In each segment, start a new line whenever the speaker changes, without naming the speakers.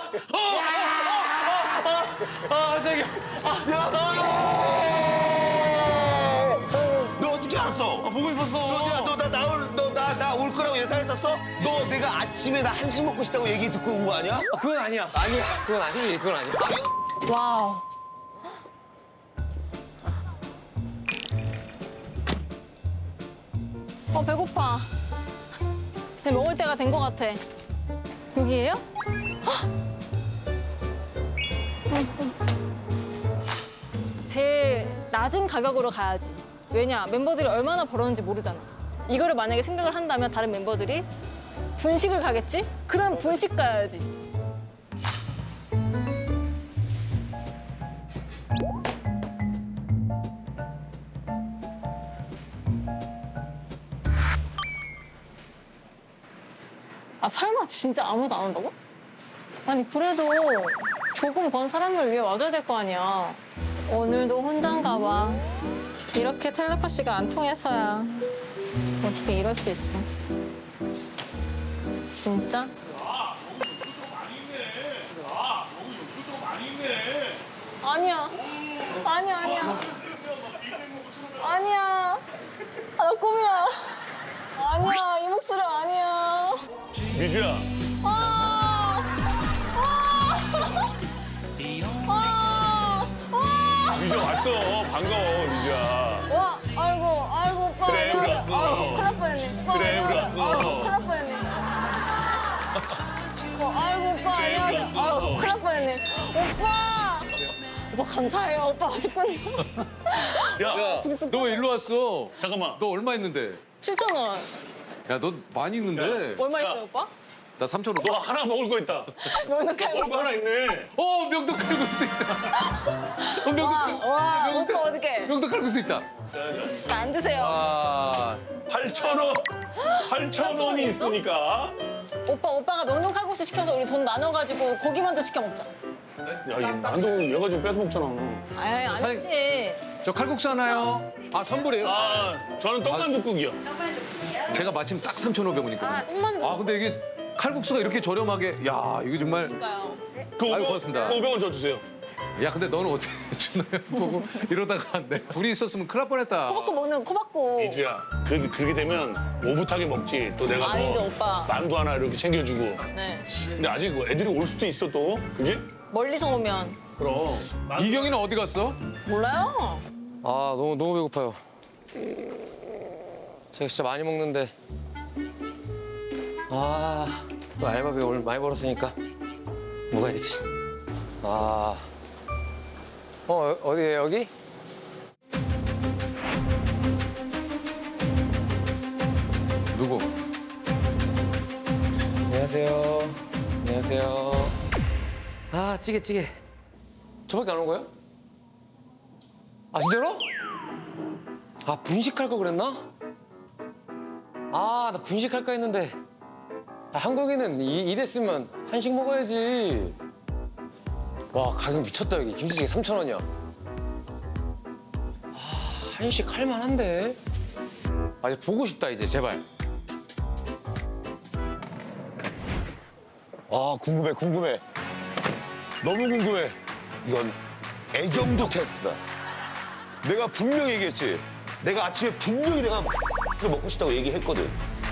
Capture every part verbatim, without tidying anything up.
아, 저기.
야, 너! 너 어떻게 알았어?
아, 보고 싶었어.
너, 야, 너 나 나올 너 나 나 올 거라고 예상했었어? 너 내가 아침에 나 한식 먹고 싶다고 얘기 듣고 온 거 아니야?
아, 그건 아니야. 아니야. 그건 아니지. 그건 아니야.
와우. 어, 배고파. 근데 먹을 때가 된 것 같아. 여기에요? 헉! 음, 음. 제일 낮은 가격으로 가야지. 왜냐, 멤버들이 얼마나 벌었는지 모르잖아. 이거를 만약에 생각을 한다면 다른 멤버들이 분식을 가겠지? 그럼 분식 가야지. 아, 설마 진짜 아무도 안 온다고? 아니, 그래도 조금 번 사람을 위해 와줘야 될 거 아니야. 오늘도 혼자인가 봐. 이렇게 텔레파시가 안 통해서야. 어떻게 이럴 수 있어. 진짜? 아니야. 아니야, 아니야. 아니야. 아, 나 꿈이야. 아니야, 이 목소리 아니야.
미주야.
아! 아! 아! 아!
미주 왔어. 반가워, 미주야.
와, 아이고, 아이고, 오빠.
그래, 우리
안녕하세요.
왔어.
아이고, 큰일 날 뻔했네. 오빠,
그래, 우리
안녕하세요.
왔어.
아이고, 큰일 날 뻔했네. 어, 아이고, 오빠,
그래, 우리
안녕하세요.
왔어.
아이고, 큰일 날 뻔했네. 오빠! 오빠, 감사해요. 오빠, 아직까지.
야,
야, 너 일로 왔어.
잠깐만.
너 얼마 있는데?
칠천 원.
야, 너 많이 있는데?
얼마 있어요, 오빠?
나 삼천 원.
너 하나 먹을 거 있다.
명동 칼국수.
먹을 거 하나 있네.
어, 명동 칼국수 있다. 어, 명동
와,
칼국수.
와,
명동-
오빠 어떡해.
명동 칼국수 있다.
나 앉으세요.
아,
팔천 원. 팔천 원이
있어?
있으니까.
오빠, 오빠가 명동 칼국수 시켜서 우리 돈 나눠가지고 고기만두 시켜 먹자.
야, 이 만두 얘가 지금 뺏어 먹잖아.
아이, 아니지.
저 칼국수 하나요? 아, 선불이에요?
아, 저는 떡만둣국이요.
제가 마침 딱 삼천오백 원이거든요.
아, 꿈만두.
아, 근데 이게 칼국수가 이렇게 저렴하게. 야, 이거 정말.
볼까요?
그
아유,
오백 원,
고맙습니다.
그 오백 원 줘 주세요.
야, 근데 너는 어떻게 주나요? 보고 이러다가 내 둘이 있었으면 큰일 날 뻔했다.
코바코 먹는 거 코바코.
미주야, 그, 그렇게 되면 오붓하게 먹지. 또 내가
아니죠,
뭐
오빠.
만두 하나 이렇게 챙겨주고.
네.
근데 아직 뭐 애들이 올 수도 있어 또, 그지?
멀리서 오면
그럼.
이경이는 어디 갔어?
몰라요.
아 너무 너무 배고파요. 제가 진짜 많이 먹는데 아또 알바비 오늘 많이 벌었으니까 먹어야지. 아, 어 어디에 여기?
누구?
안녕하세요. 안녕하세요. 아 찌개 찌개. 저밖에 안 온 거예요? 아 진짜로? 아 분식할 거 그랬나? 아 나 분식할까 했는데 아, 한국인은 이, 이랬으면 한식 먹어야지. 와 가격 미쳤다 여기 김치찌개 삼천 원이야. 아 한식 할만한데. 아 이제 보고 싶다 이제 제발.
아, 궁금해, 궁금해. 너무 궁금해. 이건 애정도 테스트다. 내가 분명히 얘기했지. 내가 아침에 분명히 내가 먹고 싶다고 얘기했거든.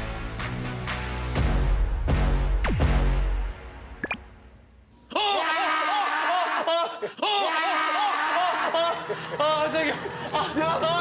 아, 저기.
야, 너!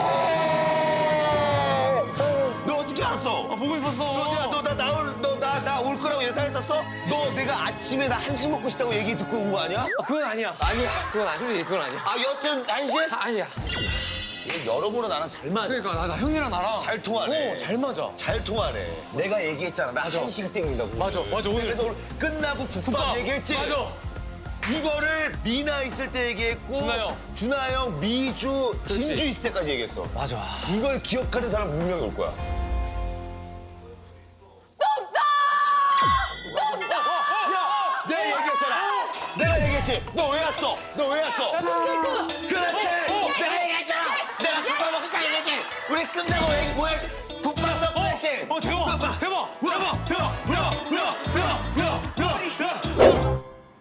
너 어떻게 알았어?
아, 보고 싶었어.
너, 야, 너 나 나올, 너 나 나 올 거라고 예상했었어? 너 내가 아침에 나 한식 먹고 싶다고 얘기 듣고 온 거 아니야?
아, 그건 아니야.
아니야 그건 아니지 그건 아니야.
아, 여튼 한식?
아, 아니야.
여러모로 나랑 잘 맞아.
그러니까 나, 나 형이랑 나랑
잘 통하네.
어, 잘 맞아.
잘 통하네. 내가 얘기했잖아. 나 한식 땡긴다고.
맞아, 맞아, 오늘.
그래서 오늘 끝나고 국밥 얘기했지.
맞아.
이거를 미나 있을 때 얘기했고
준하 형.
준하 형, 미주,
그렇지.
진주 있을 때까지 얘기했어.
맞아.
이걸 기억하는 사람 분명히 올 거야. 야, 내가 얘기했잖아. 내가 얘기했지. 너 왜 왔어? 너 왜 왔어? 그렇지. 내가 얘기했잖아. 내가 국밥 먹고 싶다 얘기했지. 우리 끝나고 얘기 뭐해? 국밥 먹고 했지.
어, 대박. 대박. 대박. 대박.
야, 야, 야, 야, 야, 야, 야.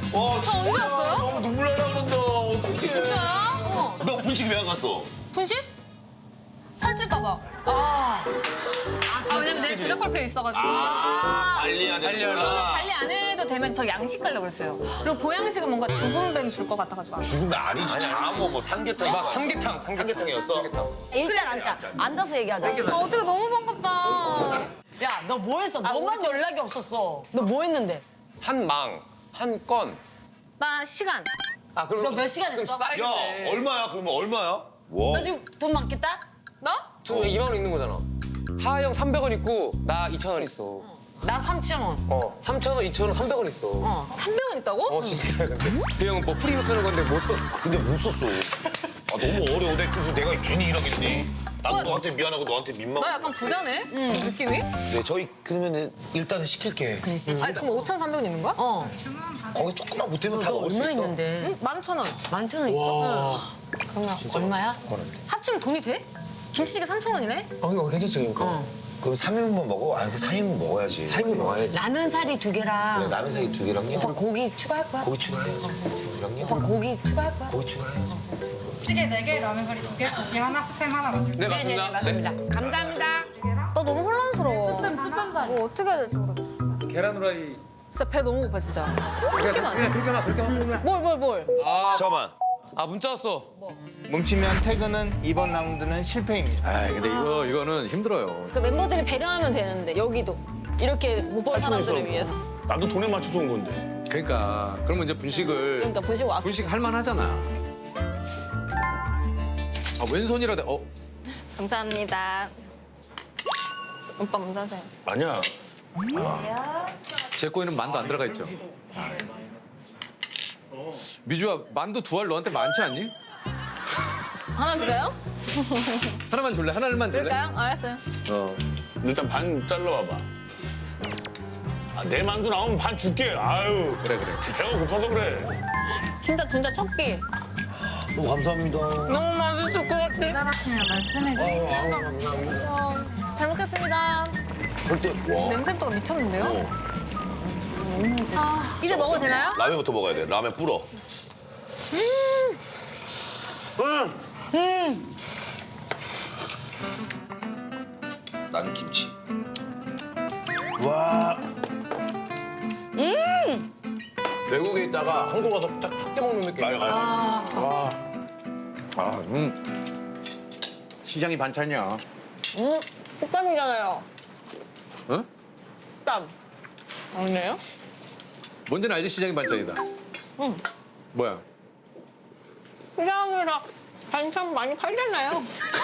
와,
저 언제 왔어요?
너무 눈물 나다 그런다. 어떡해.
진짜요? 어.
너 분식 왜 안 갔어?
분식? 살찔까봐. 아. 아, 왜냐면 내일 제작 발표 있어가지고.
아, 관리해야 돼.
저는 관리 안 해도 되면 저 양식 가려고 그랬어요. 그리고 보양식은 뭔가 죽은 뱀 줄 것 같아가지고.
죽으면 아니지. 장어, 뭐 삼계탕.
막 삼계탕, 삼계탕.
삼계탕이었어?
일단 앉자. 앉아서 얘기하자.
아, 어떻게 너무 반갑다.
야, 너 뭐 했어? 너만 연락이 없었어. 너 뭐 했는데?
한 망, 한 건.
나 시간.
아, 그럼
너 몇 시간
그럼
했어?
야,
쌓이겠네.
얼마야? 그러면 얼마야? 와.
너 지금 돈 많겠다?
나?
저 이만 원 있는 거잖아. 하하 형 삼백 원 있고 나 이천 원 있어.
나 삼천 원.
어, 삼천 원, 이천 원, 삼백 원 있어. 어,
삼백 원 있다고?
진짜 근데 그 형은 뭐 프리로 쓰는 건데 못 써.
근데 못 썼어. 아, 너무 어려워. 내가 그래서 내가 괜히 일하겠니? 나도 너한테 미안하고 너한테 민망하고.
나 약간 부자네? 응. 느낌이?
네, 저희 그러면은 일단은 시킬게.
아니, 그럼 오천삼백 원 있는 거야?
어.
거기 조금만 못하면 다
너
먹을 수
얼마
있어.
있는데?
응? 만천 원.
만천 원 있어? 그러면 얼마야?
합치면 돈이 돼? 김치찌개 삼천 원이네?
어, 이거 괜찮지, 그러니까.
어.
그럼 삼 인분 먹어? 아니, 그 사 인분 먹어야지.
사 인분 먹어야지.
라면 사리 두 개랑
네, 라면 사이 두 개랑요.
오빠 고기 추가할 거야?
고기 추가해야지. 고기랑요.
오빠 고기 추가할 거야?
고기 추가해야지.
찌개 네 개, 라면 사리 두 개, 고기 하나, 스팸 하나 맞을게요.
네, 맞습니다.
네네 맞습니다. 감사합니다.
나 너무 혼란스러워. 뭐 어떻게 해야 될지 모르겠어.
계란 후라이.
진짜 배 너무 고파, 진짜.
그냥,
그렇게는 안 돼.
그냥 그렇게만, 그렇게만.
뭘, 뭘, 뭘.
잠깐만.
아, 문자 왔어.
뭉치면 퇴근은 이번 라운드는 실패입니다.
아 근데 이거 이거는 힘들어요.
그 멤버들이 배려하면 되는데 여기도 이렇게 못 본 사람들을 위해서.
나도 돈에 맞춰서 온 건데.
그러니까 그러면 이제 분식을
그러니까 분식 왔어.
분식 할 만하잖아. 아 왼손이라 돼. 어
감사합니다. 오빠 먼저 하세요.
아니야.
제 거에는 만두 안 들어가 있죠. 미주야 만두 두 알 너한테 많지 않니?
하나 드려요?
하나만 줄래? 하나만 줄래?
그럴까요? 알았어요.
어.
일단 반 잘라와봐. 아, 내 만두 나오면 반 줄게. 아유,
그래 그래.
배가 고파서 그래.
진짜, 진짜 첫 끼.
너무 감사합니다.
너무 맛있을 것 같아.
따라하시면 말씀해주세요.
어, 잘 먹겠습니다.
절대. 와.
냄새부터가 미쳤는데요? 아, 이제 먹어도 되나요?
라면부터 먹어야 돼. 라면 불어. 나는 김치. 와.
외국에 있다가 한국 와서 딱 탁게 먹는 느낌.
맞아, 맞아.
아 음. 시장이 반찬이야.
음, 식감이잖아요.
어?
식감. 아니에요?
뭔지는 알지 시장이 반찬이다.
응.
뭐야?
시장이라 반찬 많이 팔잖아요.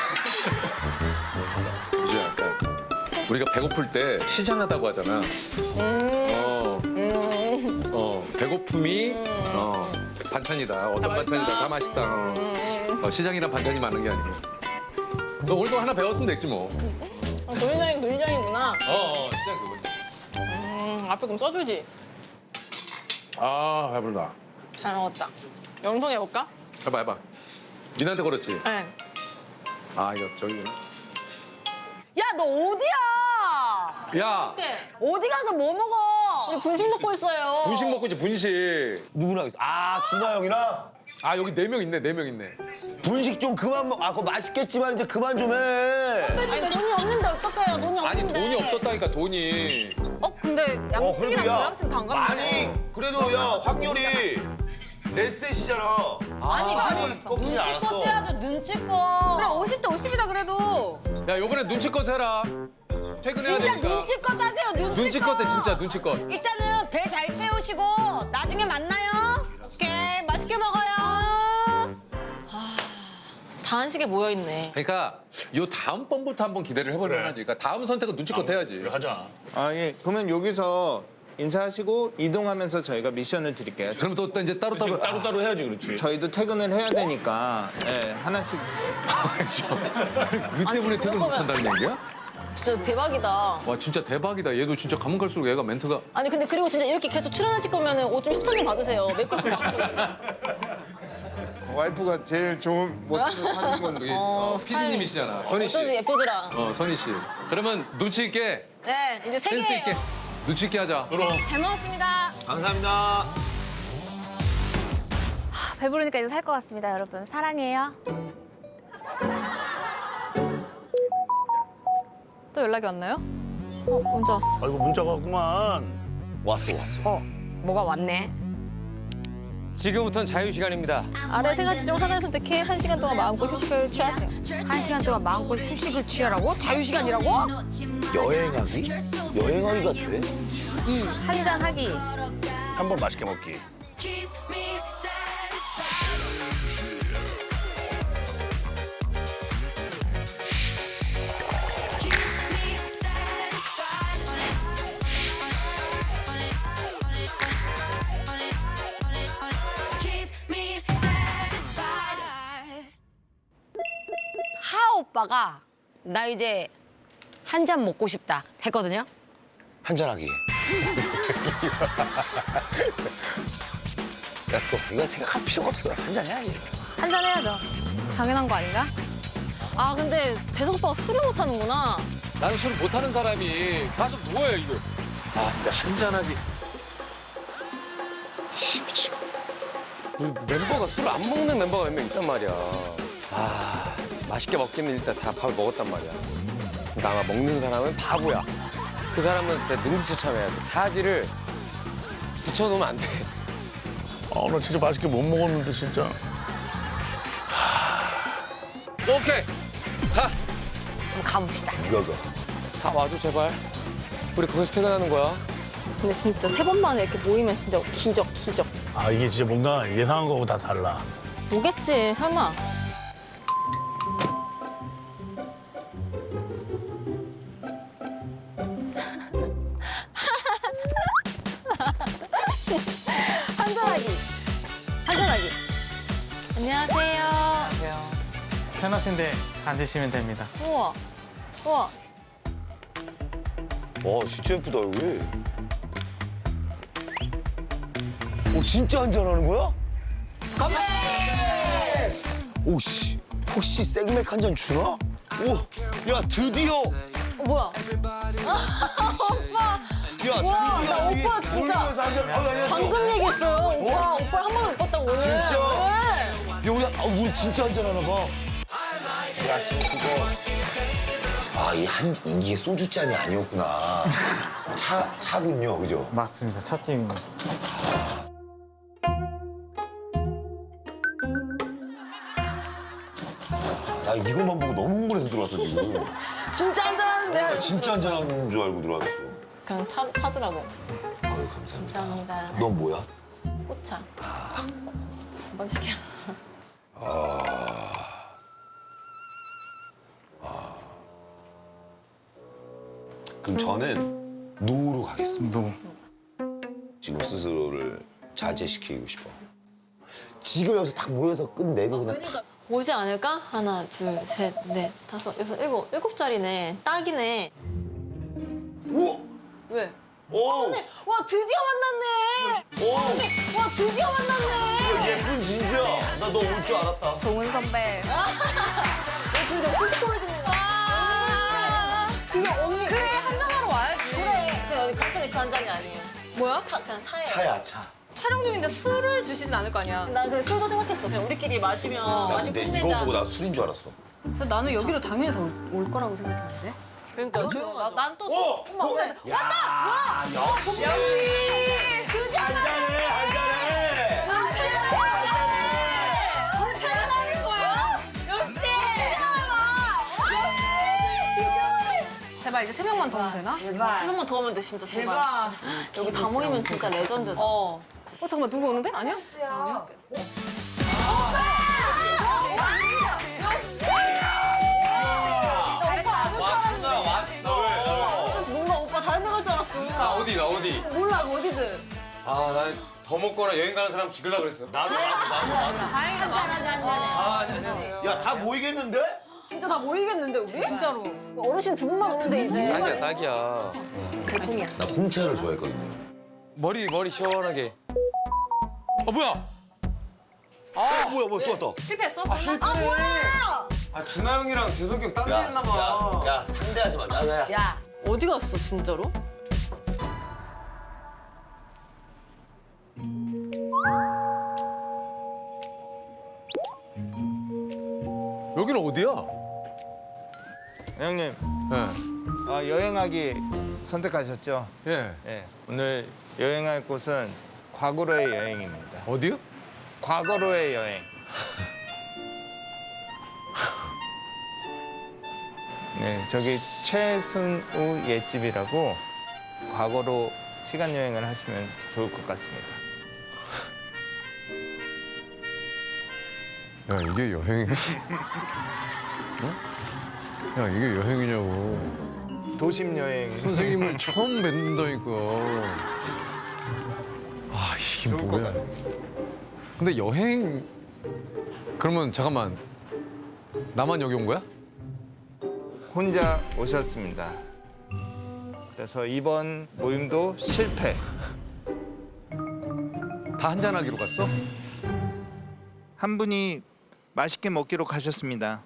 이제 약간 우리가 배고플 때 시장하다고 하잖아. 어, 어, 배고픔이 어, 반찬이다. 어떤 반찬이다. 다 맛있다. 어. 어, 시장이란 반찬이 많은 게 아니고. 너 오늘도 하나 배웠으면 됐지 뭐.
아, 도시장이 도시장이구나.
어, 어 시장 그거지.
음, 앞에 그럼 써주지.
아, 배부르다.
잘 먹었다. 영통해볼까?
해봐, 해봐. 민한테 걸었지?
네.
아, 이거 저기.
야, 너 어디야?
야,
어디 가서 뭐 먹어?
우리 분식 먹고 있어요.
분식 먹고 있지, 분식.
누구랑 있어? 아, 준하 형이랑?
아, 여기 네 명 있네, 네 명 있네.
분식 좀 그만 먹. 아, 그거 맛있겠지만 이제 그만 좀 해.
아니, 돈이 없는데 어떡해요? 돈이 없는데.
아니, 돈이 없었다니까, 돈이.
어, 근데
어,
양식이랑
그래도 야.
보양식 다 안 가면
아니, 그래도 야, 확률이 내 셋이잖아.
아니,
아니, 꺾이지 않았어.
눈치껏 해야죠, 눈치껏.
그래, 오십 대 오십이다 그래도.
야, 요번에 눈치껏 해라. 퇴근해야
진짜
되니까.
눈치껏 하세요, 눈치껏.
눈치껏 해, 진짜 눈치껏.
일단은 배 잘 채우시고 나중에 만나요.
오케이, 맛있게 먹어요. 아, 다 한식에 모여있네.
그러니까 요 다음 번부터 한번 기대를 해보려
그래.
하지. 그러니까 다음 선택은 눈치껏 해야지.
그래, 하자.
아, 예. 그러면 여기서 인사하시고 이동하면서 저희가 미션을 드릴게요.
그럼 또, 또 이제 따로따로.
지금 따로따로 해야지, 그렇지.
저희도 퇴근을 해야 되니까 예, 하나씩.
위 때문에 퇴근
그럴
못한다는 얘기야?
진짜 대박이다.
와, 진짜 대박이다. 얘도 진짜 가면 갈수록 얘가 멘트가.
아니, 근데 그리고 진짜 이렇게 계속 출연하실 거면 옷 좀 협찬 좀 받으세요. 메이크업 좀 받고.
와이프가 제일 좋은 멋진 사는 건데.
여기
어,
어, 피디님이시잖아. 선희 씨.
어쩐지 예쁘더라.
어, 선희 씨. 그러면 눈치 있게,
네, 이제 세
센스
개예요.
있게. 눈치 있게 하자.
그럼.
잘 먹었습니다.
감사합니다.
배부르니까 이거 살 것 같습니다, 여러분. 사랑해요. 또 연락이 왔나요?
어, 언제 왔어?
아이고 문자가 왔구만.
왔어 왔어.
어, 뭐가 왔네.
지금부터는 자유 시간입니다.
아래 세 가지 중 하나를 선택해 한 시간 동안 마음껏 휴식을 취하세요.
한 시간 동안 마음껏 휴식을 취하라고? 자유시간이라고?
여행하기? 여행하기가 돼?
이, 한잔 하기.
한 번 맛있게 먹기.
하 오빠가 나 이제 한 잔 먹고 싶다 했거든요.
한잔하기. 렛츠고. 이거 생각할 필요가 없어. 한잔 해야지.
한잔 해야죠. 당연한 거 아닌가?
아 근데 재석 오빠가 술을 못 하는구나.
나는 술을 못하는 사람이 가서 뭐해 이거. 아 근데 한잔하기.
그 멤버가 술을 안 먹는 멤버가 몇 명 있단 말이야. 아, 맛있게 먹기는 일단 다 밥을 먹었단 말이야. 그러니까 아마 먹는 사람은 바보야. 그 사람은 진짜 능지처참해야 돼. 사지를 붙여놓으면 안 돼.
아, 나 진짜 맛있게 못 먹었는데 진짜.
오케이. 가.
그럼 가봅시다.
이거 이거.
다 와줘, 제발. 우리 거기서 퇴근하는 거야.
근데 진짜 세 번 만에 이렇게 모이면 진짜 기적 기적.
아 이게 진짜 뭔가 예상한 거하고 다 달라.
오겠지 설마. 한잔하기. 한잔하기. 안녕하세요.
편하신데 앉으시면 됩니다.
우와. 우와.
와 진짜 예쁘다 여기. 오 진짜 한잔하는 거야? 건배! 오씨 혹시 생맥 한 잔 주나? 오, 야 드디어.
어, 뭐야? 오빠.
야
와,
드디어
나
여기
오빠 진짜
모이면서 한잔. 아, 안녕하세요.
방금 얘기했어요. 오빠. 오빠 한 번도 못 봤다고 오늘.
진짜?
네.
야 우리 아, 우리 진짜 한잔 하나 봐. 야 지금 그거. 아이 한 이게 소주 잔이 아니었구나. 차 차군요, 그죠?
맞습니다. 찻집입니다.
나 이것만 보고 너무 흥분해서 들어왔어 지금.
진짜 한잔하는데.
진짜 한잔하는 줄 알고 들어왔어.
그냥 차, 차더라고.
아유 감사합니다.
감사합니다.
넌 뭐야?
꽃차. 한번 시켜.
아. 그럼 저는 노로 가겠습니다.
노.
지금 스스로를 자제시키고 싶어. 지금 여기서 딱 모여서 끝내고 그냥 탁.
오지 않을까? 하나, 둘, 셋, 넷, 다섯, 여섯, 일곱. 일곱 자리네. 딱이네.
우와!
왜?
오!
와, 드디어 만났네.
오!
와, 드디어 만났네.
예쁜 진주야. 나 너 올 줄 알았다.
동은 선배.
너 진짜 신스콜 찍는 거야.
아,
드디어 언니.
그래, 한잔하러 와야지.
그래. 그 어디 갔더니 그 한 잔이 아니에요.
뭐야?
차, 그냥 차예요.
차야, 차.
촬영 중인데 술을 주시진 않을 거 아니야.
난 그 술도 생각했어. 그냥 우리끼리 마시면
나
마시고
근데 이거
끝내자.
보고 나 술인 줄 알았어.
나는 여기로 당연히 다 올 거라고 생각했는데.
그러니까 조용하죠.
난또
오!
엄마, 엄마.
왔다! 와! 역시!
드디어
한잔해, 한잔해!
대단한 거야? 역시!
제발 이제 세 명만 더 오면 되나?
세 명만 더 오면 돼, 진짜 제발. 여기 다 모이면 진짜 레전드다.
어. 어 잠깐만 누구 오는데? 아니야?
왔구나, 왔어.
뭔가 오빠 다른 데 갈 줄 알았어.
나 어디, 나 어디.
몰라, 어디든.
아, 난 더 먹거나 여행 가는 사람 죽이려고 그랬어.
나도, 나도, 나도, 나도.
다행이다.
아, 안녕하세요.
야, 다 모이겠는데?
진짜 다 모이겠는데, 우리?
진짜로.
어르신 두 분만 오는데, 이제.
딱이야, 딱이야.
달콤이야.
나 홍차를 좋아했거든요.
머리, 머리 시원하게. 어, 뭐야?
아, 뭐야, 뭐야, 또 왔다.
실패했어?
아, 실패네. 아, 준하 형이랑 재석이 형 딴 데
야,
했나 봐.
야, 야, 상대하지 마. 야, 야.
야,
어디 갔어, 진짜로?
여기는 어디야?
형님,
예.
아, 여행하기 선택하셨죠?
예.
예. 오늘 여행할 곳은 과거로의 여행입니다.
어디요?
과거로의 여행. 네, 저기 최순우 옛집이라고 과거로 시간 여행을 하시면 좋을 것 같습니다.
야, 이게 여행이야? 어? 야, 이게 여행이냐고.
도심 여행.
선생님을 처음 뵙는다니까. 아, 이게 뭐야. 근데 여행... 그러면 잠깐만. 나만 여기 온 거야?
혼자 오셨습니다. 그래서 이번 모임도 실패.
다 한잔하기로 갔어?
한 분이 맛있게 먹기로 가셨습니다.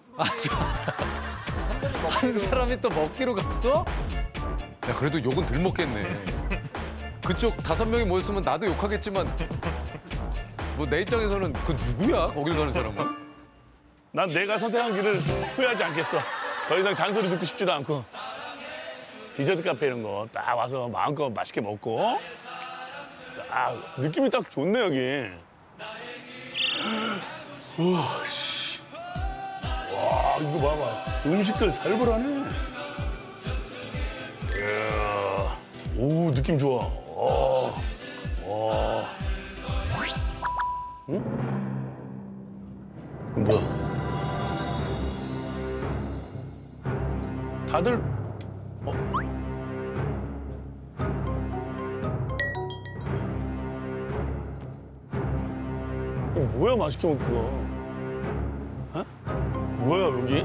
한 사람이 또 먹기로 갔어? 야, 그래도 욕은 덜 먹겠네. 그쪽 다섯 명이 모였으면 나도 욕하겠지만 뭐 내 입장에서는 그 누구야? 거길 가는 사람은?
난 내가 선택한 길을 후회하지 않겠어. 더 이상 잔소리 듣고 싶지도 않고. 디저트 카페 이런 거 딱 와서 마음껏 맛있게 먹고. 아, 느낌이 딱 좋네, 여기. 우와, 씨. 와, 이거 봐봐. 음식들 살벌하네. 이야. 오, 느낌 좋아. 와. 와. 응? 뭐야? 다들 어? 이거 뭐야 맛있게 먹고 가? 어? 뭐야 여기?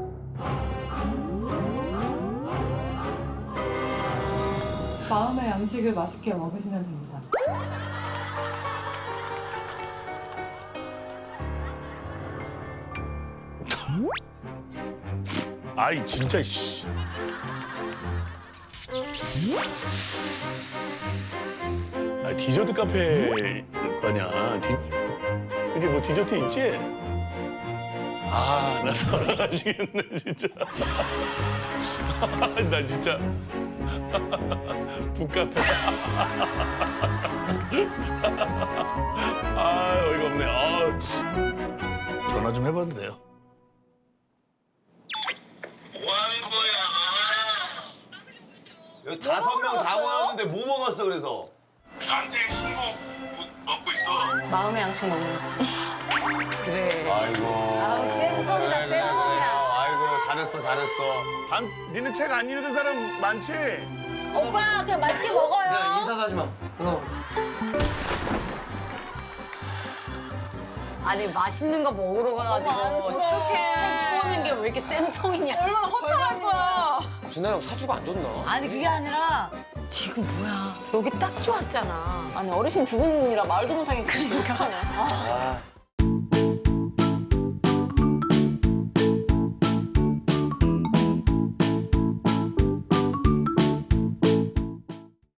마음의 양식을 맛있게 먹으시면 됩니다.
아이 진짜 씨. 아 디저트 카페 거냐? 디... 이제 뭐 디저트 있지? 아, 나 돌아가시겠네 진짜. 나 진짜 북카페. 아 어이가 없네. 아, 전화 좀 해봐도 돼요?
여기 다섯 명 다 모였는데 뭐 먹었어 그래서?
마음의 양식 먹는 거.
아이고.
아우, 쌤통이다,
그래, 그래, 그래.
쌤통이다.
아이고 잘했어 잘했어.
단, 니네 책 안 읽은 사람 많지?
오빠, 그냥 맛있게 먹어요.
인사도 하지 마. 어.
아니, 맛있는 거 먹으러 가가지고.
어떡해.
책 보는 게 왜 이렇게 쌤통이냐.
얼마나 허탈할 거야.
준하 형 사주가 안 좋나?
아니, 그게 아니라 지금 뭐야. 여기 딱 좋았잖아.
아니 어르신 두 분이라 말도 못하게 그러니까.
아,